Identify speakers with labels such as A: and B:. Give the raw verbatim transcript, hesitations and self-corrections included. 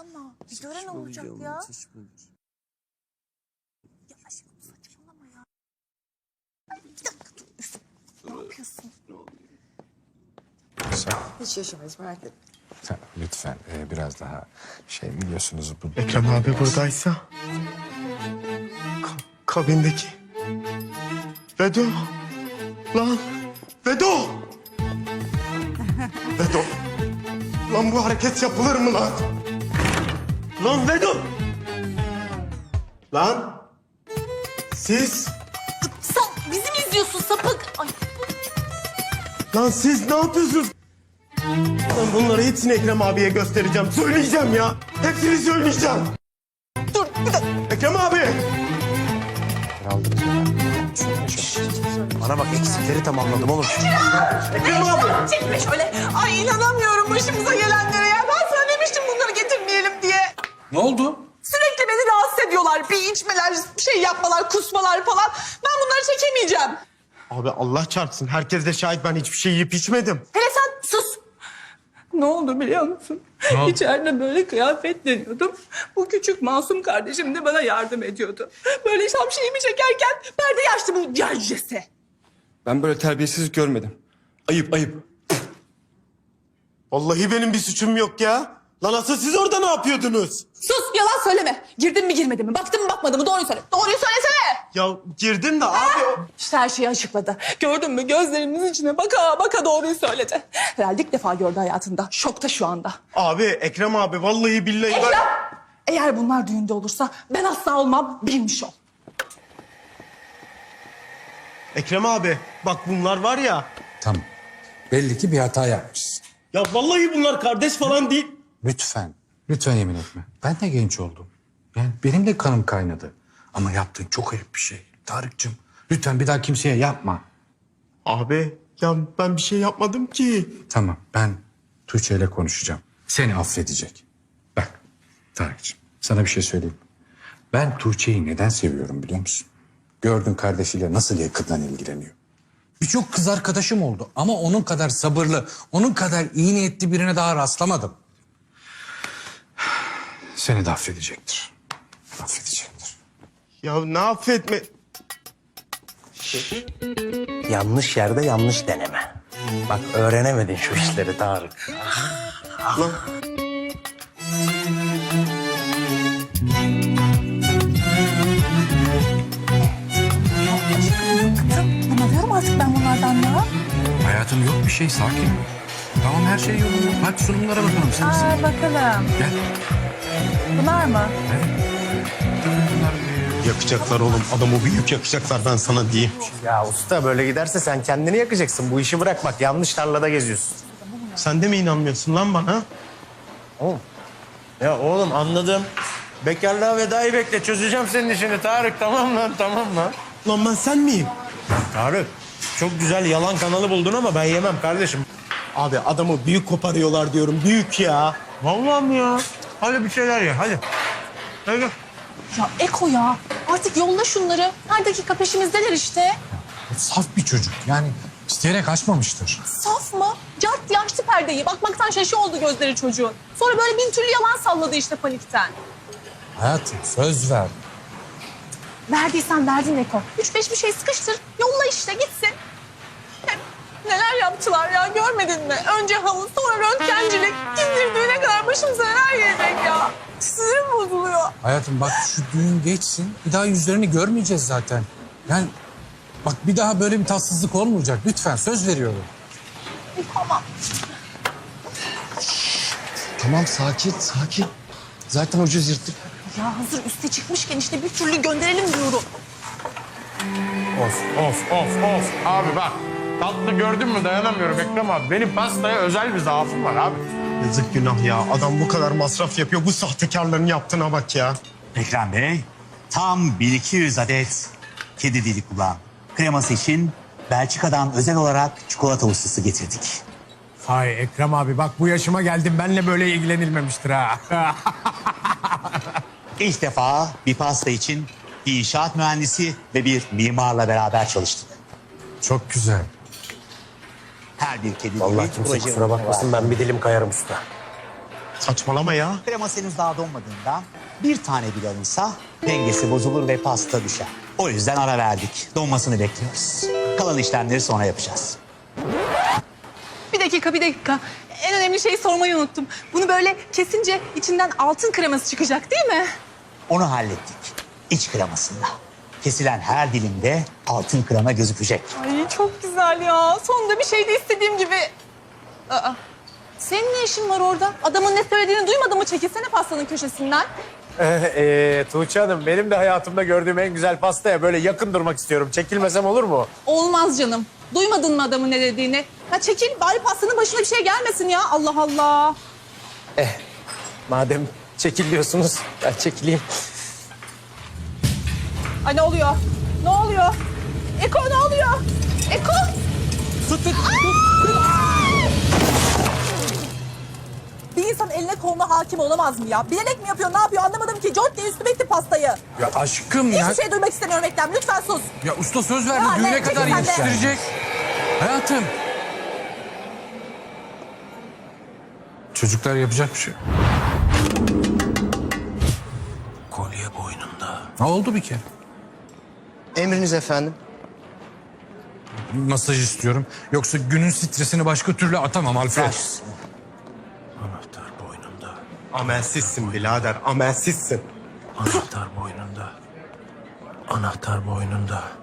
A: saçmalama. Bir gören olacak ya. Ya aşkım saçmalama ya. Ay, bir dakika dur. Üf, ne yapıyorsun?
B: Sen,
C: Hiç yaşamayız merak etme.
B: sen lütfen e, biraz daha şey biliyorsunuz bu...
D: Ekrem abi buradaysa... Ka- kabindeki... Vedo! Lan! Vedo! Vedo! Lan bu hareket yapılır mı lan? Lan Vedo! Lan! Siz...
A: Sen bizi mi izliyorsun sapık? Ay,
D: Lan siz ne yapıyorsunuz? Ben bunları hepsini Ekrem abiye göstereceğim. Söyleyeceğim ya. Hepsini söyleyeceğim.
A: dur bir dakika.
D: Ekrem abi!
B: Aldınız mı? Şöyle şöyle.
E: Bana bak eksikleri tamamladım oğlum.
D: Ekrem abi!
A: Çekme şöyle. Ay inanamıyorum başımıza gelenlere ya. Ben sana demiştim bunları getirmeyelim diye.
F: Ne oldu?
A: Sürekli beni rahatsız ediyorlar. Bir içmeler, bir şey yapmalar, kusmalar falan. Ben bunları çekemeyeceğim.
D: Abi Allah çarpsın. Herkes de şahit, ben hiçbir şey yiyip içmedim.
A: Hele sen sus. Ne oldu biliyor musun? İçeride böyle kıyafet deniyordum. Bu küçük masum kardeşim de bana yardım ediyordu. Böyle şam şeyimi çekerken perde açtı bu yercese.
E: Ben böyle terbiyesizlik görmedim. Ayıp ayıp.
D: Vallahi benim bir suçum yok ya. Lan asıl siz orada ne yapıyordunuz?
A: Sus yalan söyleme. Girdin mi girmedin mi? Baktın mı bakmadın mı? Doğruyu söyle. Doğruyu söylesene.
D: Ya girdim de abi o...
A: İşte her şeyi açıkladı. Gördün mü? Gözlerimin içine baka baka doğruyu söyledi. Herhalde ilk defa gördü hayatında. Şokta şu anda.
D: Abi Ekrem abi vallahi billahi ben...
A: Ekrem! Eğer bunlar düğünde olursa ben asla olmam, bilmiş ol.
D: Ekrem abi bak bunlar var ya...
B: Tamam. Belli ki bir hata yapmışsın.
D: Ya vallahi bunlar kardeş falan değil.
B: Lütfen, lütfen yemin etme. Ben de genç oldum. Yani benim de kanım kaynadı. Ama yaptığın çok ayıp bir şey. Tarık'cığım, lütfen bir daha kimseye yapma.
D: Abi ya ben bir şey yapmadım ki.
B: Tamam, ben Tuğçe ile konuşacağım. Seni affedecek. Bak, Tarık'cığım, sana bir şey söyleyeyim. Ben Tuğçe'yi neden seviyorum biliyor musun? Gördün kardeşiyle nasıl yakından ilgileniyor. Birçok kız arkadaşım oldu ama onun kadar sabırlı, onun kadar iyi niyetli birine daha rastlamadım. Seni de affedecektir. Affedecektir.
D: Ya ne affetme...
E: Yanlış yerde yanlış deneme. Bak öğrenemedin şu işleri Tarık.
D: Lan...
A: Anlamıyorum artık ben bunlardan ya.
B: Hayatım yok bir şey, sakin. Tamam her şey yolunda. Bak sunumlara bakalım sen. sen.
A: Aa, bakalım.
B: Gel.
A: Bunlar mı?
B: Bunlar
D: Yakacaklar oğlum. Adamı büyük yakacaklar, ben sana diyeyim.
E: Ya usta böyle giderse sen kendini yakacaksın. Bu işi bırak bak yanlış tarlada geziyorsun.
D: Sen de mi inanmıyorsun lan bana?
E: Oğlum. Ya oğlum anladım. Bekarlığa vedayı bekle. Çözeceğim senin işini Tarık. Tamam lan tamam lan.
D: Lan ben sen miyim?
E: Tarık çok güzel yalan kanalı buldun ama ben yemem kardeşim.
D: Abi adamı büyük koparıyorlar diyorum. Büyük ya.
E: Vallahi mi ya? Hadi bir şeyler ye hadi. Hadi.
A: Ya Eko ya. Artık yolla şunları. Her dakika peşimizdeler işte.
B: saf bir çocuk. Yani isteyerek açmamıştır.
A: Saf mı? Cart diye açtı perdeyi. Bakmaktan şaşı oldu gözleri çocuğun. Sonra böyle bin türlü yalan salladı işte panikten.
B: Hayatım söz ver.
A: Verdiysen verdin Eko. Üç beş bir şey sıkıştır. Yolla işte gitsin. Hem neler yaptılar ya görmedin mi? Önce havuz sonra röntgencilik. Gizdirdiğine kadar başımıza neler gelecek ya. Sinirim bozuluyor.
B: Hayatım bak şu düğün geçsin. Bir daha yüzlerini görmeyeceğiz zaten. Yani bak bir daha böyle bir tatsızlık olmayacak. Lütfen söz veriyorum.
A: E, tamam.
G: Tamam sakin sakin. Zaten ucuz yırttık.
A: Ya hazır üste çıkmışken işte bir türlü gönderelim diyorum.
H: Of of of of. Abi bak tatlı gördün mü dayanamıyorum Ekrem abi. Benim pastaya özel bir zaafım var abi.
D: Yazık günah ya. Adam bu kadar masraf yapıyor. Bu sahtekarların yaptığına bak ya.
I: Ekrem Bey, tam bin iki yüz adet kedi dili kulağın kreması için Belçika'dan özel olarak çikolata ustası getirdik.
F: Hay Ekrem abi bak bu yaşıma geldim benle böyle ilgilenilmemiştir ha.
I: İlk defa bir pasta için bir inşaat mühendisi ve bir mimarla beraber çalıştık.
B: Çok güzel.
I: Her bir kedi dili
E: Vallahi kimse
I: proje
E: kusura bakmasın ben bir dilim kayarım usta.
D: Saçmalama ya.
I: Kreması henüz daha donmadığından bir tane bile alınsa dengesi bozulur ve pasta düşer. O yüzden ara verdik. Donmasını bekliyoruz. Kalan işlemleri sonra yapacağız.
A: Bir dakika, bir dakika. En önemli şeyi sormayı unuttum. Bunu böyle kesince içinden altın kreması çıkacak değil mi?
I: Onu hallettik. İç kremasında. Kesilen her dilimde altın krema gözükecek.
A: Ay çok güzel ya. Sonunda bir şey de istediğim gibi. Aa, senin ne işin var orada? Adamın ne söylediğini duymadın mı? Çekilsene pastanın köşesinden.
E: Ee, Tuğçe Hanım benim de hayatımda gördüğüm en güzel pastaya böyle yakın durmak istiyorum. Çekilmesem olur mu?
A: Olmaz canım. Duymadın mı adamın ne dediğini? Ha çekil bari pastanın başına bir şey gelmesin ya. Allah Allah.
E: Madem çekil diyorsunuz ben çekileyim.
A: Ay ne oluyor? Ne oluyor? Eko ne oluyor? Eko!
E: Tut tut.
A: Bir insan eline koluna hakim olamaz mı ya? Bilerek mi yapıyor, ne yapıyor anlamadım ki. Cort diye üstüme etti pastayı.
B: Ya aşkım ya.
A: Hiçbir şey duymak istemiyorum Ekrem. Lütfen sus.
B: Ya usta söz verdi
A: Ya
B: düğüne
A: ne,
B: kadar
A: çekil sen de.
B: yetiştirecek. Hayatım. Çocuklar yapacak bir şey.
H: Kolye boynunda.
B: Ne oldu bir kere?
G: Emriniz efendim.
B: Masaj istiyorum. Yoksa günün stresini başka türlü atamam Alfred.
H: Anahtar boynunda.
D: Amelsizsin birader, amelsizsin.
H: Anahtar boynunda. Anahtar boynunda.